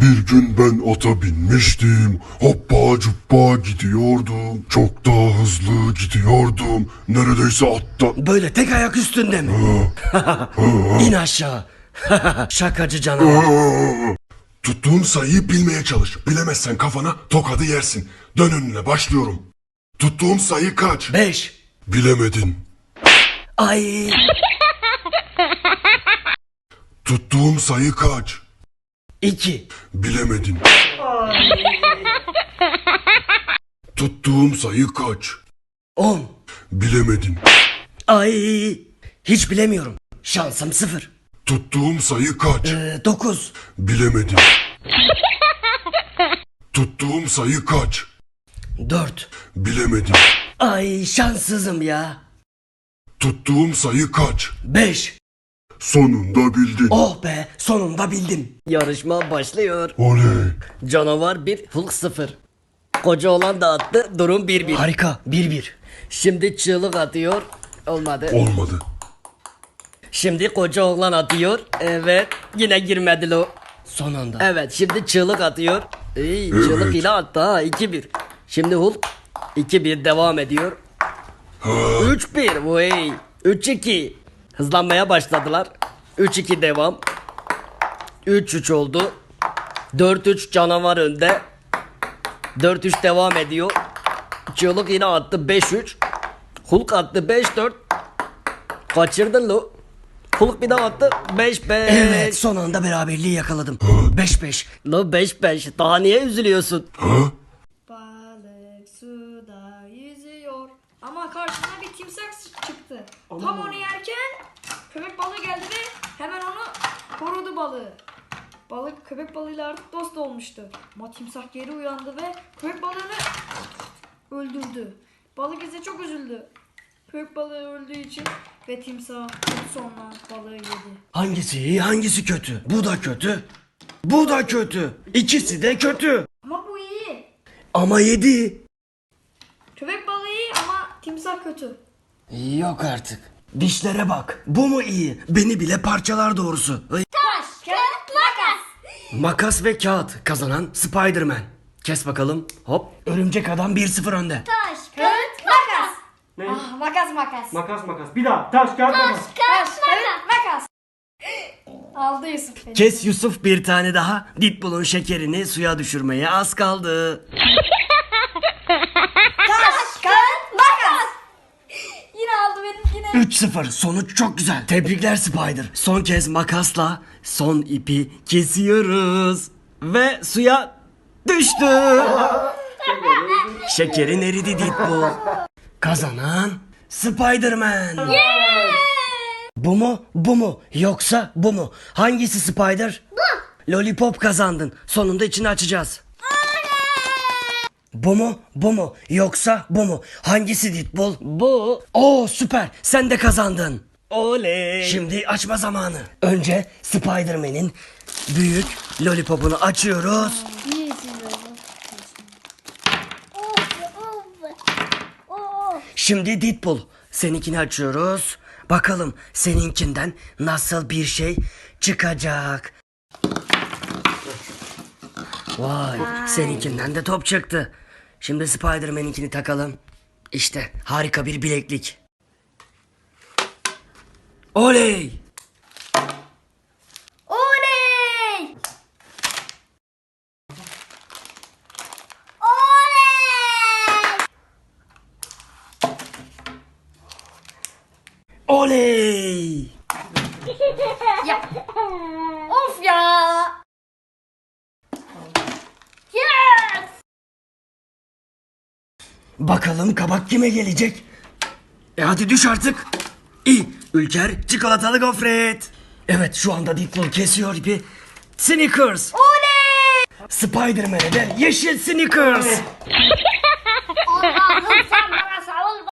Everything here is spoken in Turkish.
Bir gün ben ata binmiştim. Hoppa cuppa gidiyordum. Çok daha hızlı gidiyordum. Neredeyse atta... Böyle tek ayak üstünde mi? İn aşağı. Şakacı canavar. Tuttuğun sayıyı bilmeye çalış. Bilemezsen kafana tokadı yersin. Dön önüne, başlıyorum. Tuttuğun sayı kaç? 5. Bilemedin. Ay. Tuttuğum sayı kaç? 2. Bilemedin. Tuttuğum sayı kaç? 10. Bilemedin. Ay. Hiç bilemiyorum. Şansım 0. Tuttuğum sayı kaç? 9. Bilemedin. Tuttuğum sayı kaç? 4. Bilemedin. Ay şanssızım ya. Tuttuğum sayı kaç? 5. Sonunda bildin. Oh be, sonunda bildim. Yarışma başlıyor. Oley. Canavar 1, Hulk 0. Koca olan da attı, durum 1-1. Harika, 1-1. Şimdi çığlık atıyor. Olmadı. Olmadı. Şimdi koca oğlan atıyor. Evet, yine girmedi lo. Son anda. Evet, şimdi çığlık atıyor. İyi, çığlık Evet. yine attı ha, 2-1. Şimdi Hulk 2-1 devam ediyor. 3-1, vay. 3-2. Hızlanmaya başladılar. 3-2 devam. 3-3 oldu. 4-3 canavar önde. 4-3 devam ediyor. Çığlık yine attı 5-3. Hulk attı 5-4. Kaçırdın lo. Hulk bir daha attı 5-5. Evet, son anda beraberliği yakaladım. 5-5. Lo 5-5. Daha niye üzülüyorsun? Ha? Balık suda yüzüyor ama karşısına bir timsah çıktı. Tam onu yerken köpek balığı geldi ve hemen onu korudu balığı. Balık köpek balığıyla artık dost olmuştu. Ama timsah geri uyandı ve köpek balığını öldürdü. Balık ise çok üzüldü. Köpek balığı öldüğü için ve timsah sonra balığı yedi. Hangisi iyi, hangisi kötü? Bu da kötü. Bu da kötü. İkisi de kötü. Ama bu iyi. Ama yedi. Köpek balığı iyi ama timsah kötü. Yok artık. Dişlere bak. Bu mu iyi? Beni bile parçalar doğrusu. Ay. Taş, kağıt, makas. Makas ve kağıt kazanan Spider-Man. Kes bakalım. Hop. Örümcek adam 1-0 önde. Taş, kağıt, makas. Ne? Ah, makas. Makas makas. Bir daha. Taş kağıt makas. Taş, kağıt, makas. Aldı Yusuf beni. Kes Yusuf bir tane daha. Deadpool'un şekerini suya düşürmeye az kaldı. Taş, kağıt, makas. Yine aldı benimkini. 3-0. Sonuç çok güzel. Tebrikler Spider. Son kez makasla son ipi kesiyoruz. Ve suya düştü. Şekerin eridi Deadpool. Kazanan Spider-Man. Bu mu? Bu mu? Yoksa bu mu? Hangisi Spider? Bu. Lollipop kazandın. Sonunda içini açacağız. Bu mu? Bu mu? Yoksa bu mu? Hangisi Deadpool? Bu. Oo süper. Sen de kazandın. Oley. Şimdi açma zamanı. Önce Spider-Man'in büyük lollipopunu açıyoruz. Şimdi Deadpool seninkini açıyoruz. Bakalım seninkinden nasıl bir şey çıkacak. Vay, seninkinden de top çıktı. Şimdi Spider-Man'inkini takalım. İşte harika bir bileklik. Oley! Oley! Oley! Oley! Ya. Of ya. Yes! Bakalım kabak kime gelecek? Hadi düş artık. İyi, Ülker çikolatalı gofret. Evet, şu anda Deadpool kesiyor ipi. Snickers. Oley! Spider-Man'e de yeşil Snickers. Allah'ım sen